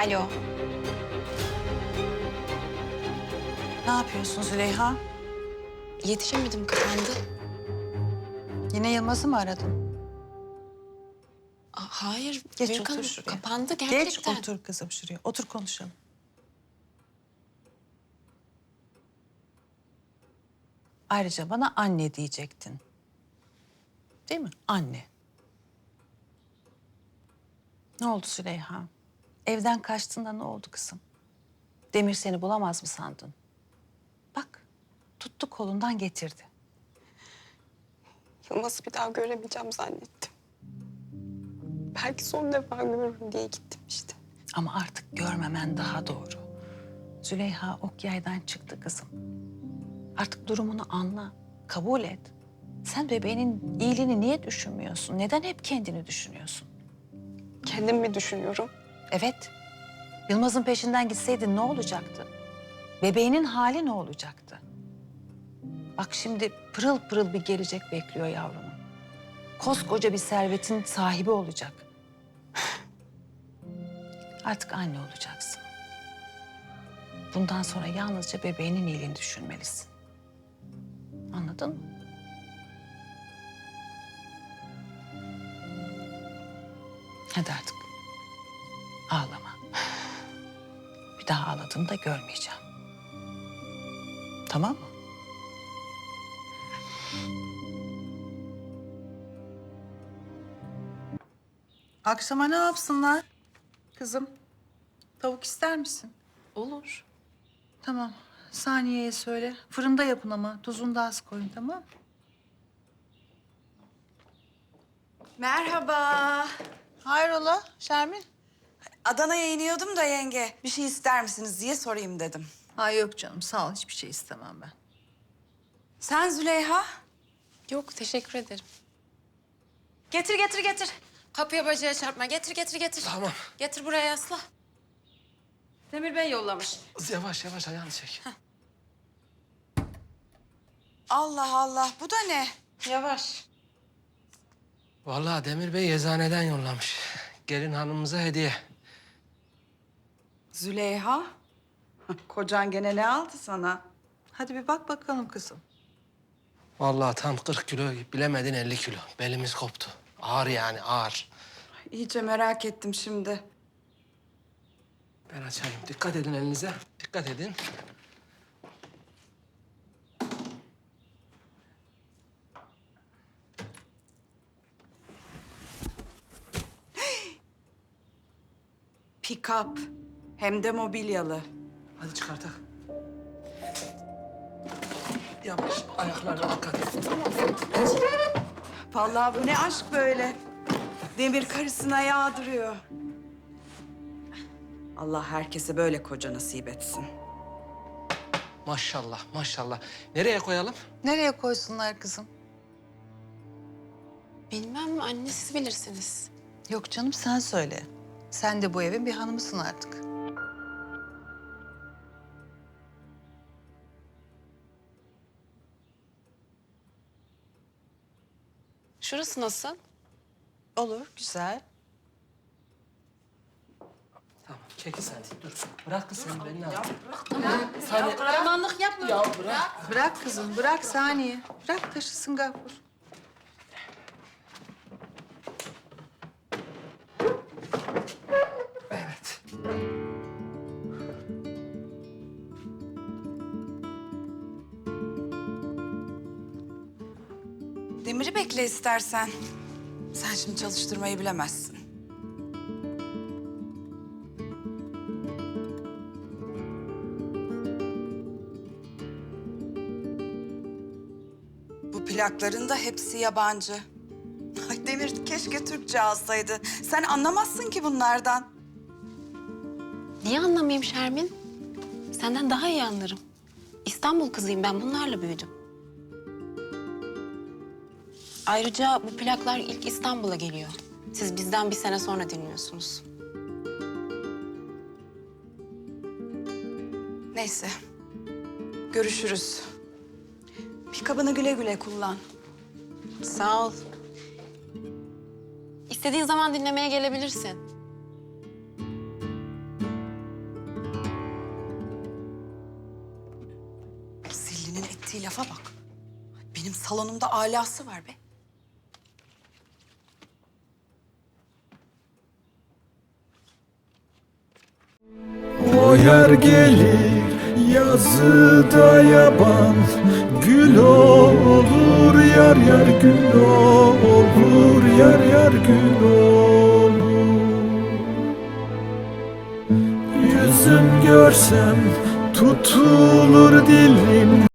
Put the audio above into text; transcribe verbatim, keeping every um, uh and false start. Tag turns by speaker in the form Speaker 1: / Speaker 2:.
Speaker 1: Alo.
Speaker 2: Ne yapıyorsun Züleyha?
Speaker 1: Yetişemedim, kapandı.
Speaker 2: Yine Yılmaz'ı mı aradın?
Speaker 1: Aa, hayır.
Speaker 2: Geç
Speaker 1: Büyük
Speaker 2: otur
Speaker 1: hanım,
Speaker 2: şuraya.
Speaker 1: kapandı gerçekten.
Speaker 2: Geç otur kızım şuraya. Otur konuşalım. Ayrıca bana anne diyecektin. Değil mi? Anne. Ne oldu Züleyha? Evden kaçtığında ne oldu kızım? Demir seni bulamaz mı sandın? Bak, tuttu kolundan getirdi.
Speaker 3: Yılmaz'ı bir daha göremeyeceğim zannettim. Belki son defa görürüm diye gittim işte.
Speaker 2: Ama artık görmemen daha doğru. Züleyha ok yaydan çıktı kızım. Artık durumunu anla, kabul et. Sen bebeğinin iyiliğini niye düşünmüyorsun? Neden hep kendini düşünüyorsun?
Speaker 3: Kendim mi düşünüyorum?
Speaker 2: Evet, Yılmaz'ın peşinden gitseydin ne olacaktı? Bebeğinin hali ne olacaktı? Bak şimdi pırıl pırıl bir gelecek bekliyor yavrunu. Koskoca bir servetin sahibi olacak. Artık anne olacaksın. Bundan sonra yalnızca bebeğinin iyiliğini düşünmelisin. Anladın mı? Hadi artık. Ağlama. Bir daha ağladığını da görmeyeceğim. Tamam mı? Akşama ne yapsınlar? Kızım, tavuk ister misin?
Speaker 1: Olur.
Speaker 2: Tamam. Saniye'ye söyle. Fırında yapın ama tuzunu da az koyun, tamam mı?
Speaker 4: Merhaba.
Speaker 2: Hayrola Şermin?
Speaker 4: Adana'ya iniyordum da yenge. Bir şey ister misiniz diye sorayım dedim.
Speaker 2: Ha yok canım sağ ol. Hiçbir şey istemem ben.
Speaker 4: Sen Züleyha?
Speaker 1: Yok, teşekkür ederim.
Speaker 4: Getir getir getir.
Speaker 1: Kapıya bacağa çarpma. Getir, getir, getir.
Speaker 5: Tamam.
Speaker 1: Getir buraya yasla. Demir Bey yollamış.
Speaker 5: Yavaş yavaş ayağını çek.
Speaker 4: Allah Allah, bu da ne?
Speaker 1: Yavaş.
Speaker 5: Vallahi Demir Bey eczaneden yollamış. Gelin hanımımıza hediye.
Speaker 4: Züleyha? Kocan gene ne aldı sana?
Speaker 2: Hadi bir bak bakalım kızım.
Speaker 5: Vallahi tam kırk kilo, bilemedin elli kilo. Belimiz koptu. Ağır yani, ağır.
Speaker 4: İyice merak ettim şimdi.
Speaker 5: Ben açayım. Dikkat edin elinize. Dikkat edin.
Speaker 4: Pick-up. Hem de mobilyalı.
Speaker 5: Hadi çıkartak. Yavaş, ayaklarına dikkat et.
Speaker 4: Vallahi bu ne aşk böyle. Demir karısına yağdırıyor. Allah herkese böyle koca nasip etsin.
Speaker 5: Maşallah, maşallah. Nereye koyalım?
Speaker 2: Nereye koysunlar kızım?
Speaker 1: Bilmem anne, siz bilirsiniz.
Speaker 2: Yok canım sen söyle. Sen de bu evin bir hanımısın artık.
Speaker 1: Şurası nasıl?
Speaker 2: Olur, güzel.
Speaker 5: Tamam, çekil sen. Dur. Bırak kız sen beni al.
Speaker 2: Kahramanlık yapma. Ya bırak. Bırak kızım, bırak Saniye. Bırak taşısın Gafur.
Speaker 5: Evet.
Speaker 4: Demir'i bekle istersen. Sen şimdi çalıştırmayı bilemezsin. Bu plakların da hepsi yabancı. Ay Demir keşke Türkçe alsaydı. Sen anlamazsın ki bunlardan.
Speaker 1: Niye anlamayayım Şermin? Senden daha iyi anlarım. İstanbul kızıyım ben, bunlarla büyüdüm. Ayrıca bu plaklar ilk İstanbul'a geliyor. Siz bizden bir sene sonra dinliyorsunuz.
Speaker 4: Neyse. Görüşürüz. Pikabını güle güle kullan.
Speaker 1: Sağ ol. İstediğin zaman dinlemeye gelebilirsin.
Speaker 4: Ettiği lafa bak. Benim salonumda alası var be.
Speaker 6: O yer gelir yazıda yaban, gül olur yar yar gül olur yar yar gül olur. Yüzüm görsem tutulur dilim.